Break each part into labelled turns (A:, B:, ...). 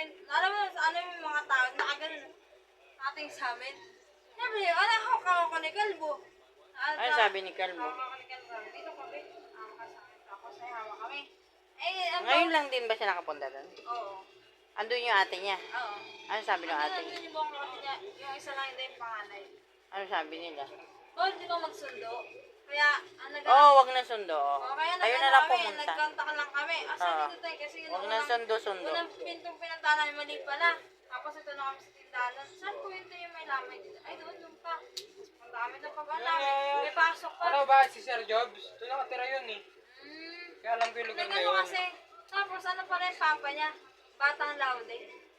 A: amin, alam mo, ano yung mga tao, nakaganon, ating sa amin. Sabi niya, ako ni Kalbo.
B: Ano sabi ni Kalbo?
A: Ako ni Kalbo, dito kami, ako sa'yo, hawa kami. Eh,
B: Ngayon lang din ba siya nakapunta doon?
A: Oo.
B: Andun yung ate niya?
A: Oo.
B: Ano sabi ng ate?
A: Andun yung buong kapatid niya, yung isa lang hindi yung panganay.
B: Ano sabi nila?
A: Hindi ko magsundo. Kaya,
B: Wag na sundo.
A: kaya
B: Kayo na lang pumunta.
A: nagkontak lang kami. Sabi dito tayo kasi
B: Wag na sundo-sundo.
A: unang pintong pinuntahan namin mali pala. Tapos ito na kami sa tindahan. Saan po yun yung may lamay dito? Ay, doon pa. Punta kami doon pa ba namin? May pasok pa.
C: Ano ba, si Sir Jobs? Doon nakatira yun eh. Kaya alam ko yung lugar na yun.
A: Kasi, tapos ano pa rin papa niya? Batang Laude.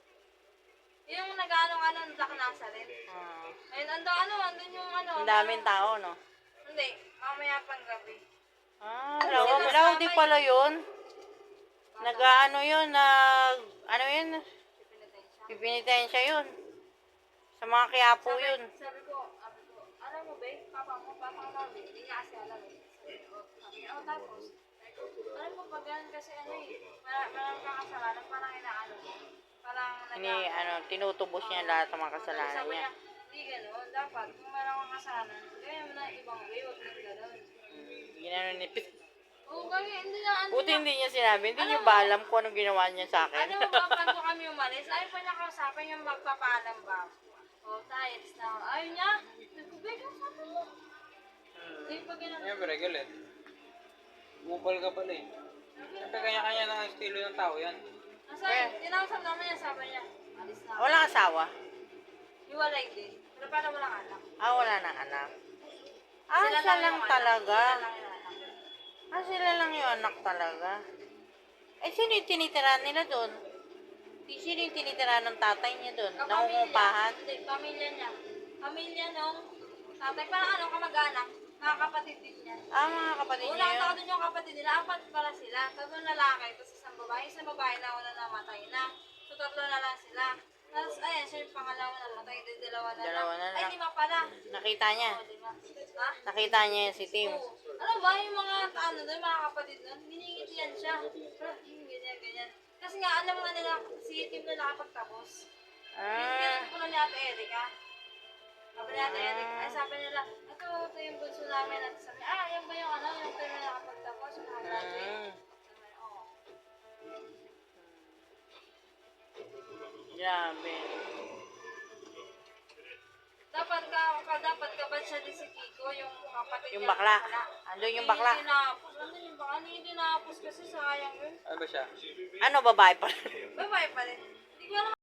A: Yung nag-ano, nasa rin. Ayun, andun yung
B: Ang daming tao, no?
A: Hindi, mamaya pang gabi.
B: Laude pala yun. Nag-ano yun, ano yun? Pipinitayin siya yun. Sa mga Quiapo yun.
A: Sabi ko, alam mo ba, papa mo, batang Laude. Hindi niya kasi alam eh. Sabi, tapos, alam mo ba ganun kasi maraming kakasalanan, parang inaano mo. Parang
B: tinutubos niya lahat ng mga kasalanan
A: sabi
B: niya.
A: niya, hindi gano'n. Dapat, kung meron kang kasalanan, gawin mo na ibang way, huwag nang gano'n.
B: Ginano ni Pit.
A: Oo, kasi hindi na,
B: Buti hindi niya sinabi. Hindi niyo ba alam kung anong ginawa niya sa akin?
A: ano mo ba, bago kami umalis, ayaw pa niya kausapin yung magpapaalam ba? Tayo, na, ayaw niya, nagkubay ka sa mo. Hindi pa gano'n.
C: Siyempre, galit. Bupal ka pala eh. Siyempre, kanya-kanya na ang estilo ng tao yan.
A: Tinausap namin niya, sabi niya, alis na.
B: Walang asawa?
A: Hiwalay din. Pero parang walang anak.
B: Wala nang anak. Siya lang talaga. Sila lang yung anak talaga. Sino yung tinitira nila doon? Sino yung tinitira ng tatay niya doon? Nangungupahan?
A: Hindi, pamilya niya. Pamilya nung tatay. Parang kamag-anak. Mga kapatid din niya.
B: Mga kapatid niya
A: Unang
B: yun.
A: tao doon yung kapatid nila. Apat pala sila. Tatlong lalaki. Tapos isang babae. Isang babae na una namatay na. So tatlo na lang sila. Tapos ayan, siya yung pangalawa na namatay. Dalawa na lang. Ay, lima pala.
B: Nakita niya?
A: Lima. Ha?
B: Nakita niya si Tim?
A: Alam ba, yung mga doon, mga kapatid doon, biningitian siya. Ganyan. Kasi nga, alam nga nila, si Tim na nakapagtapos. Binigyan ko na ni Ate Erika. Sabi ni Ate Erika, sabi nila, ito yung bunso namin. At sabi, yan ba yung yung Tim na nakapagtapos? Yung nakagraduate. Oo.
B: Grabe.
A: Dapat kabad siya din si Kiko, yung kapatid
B: Yung
A: niya.
B: bakla. Andun yung bakla.
A: Hindi tinapos kasi sayang yun.
C: Ano ba siya?
B: Babae pa?
A: Babae pa rin. Hindi ko alam.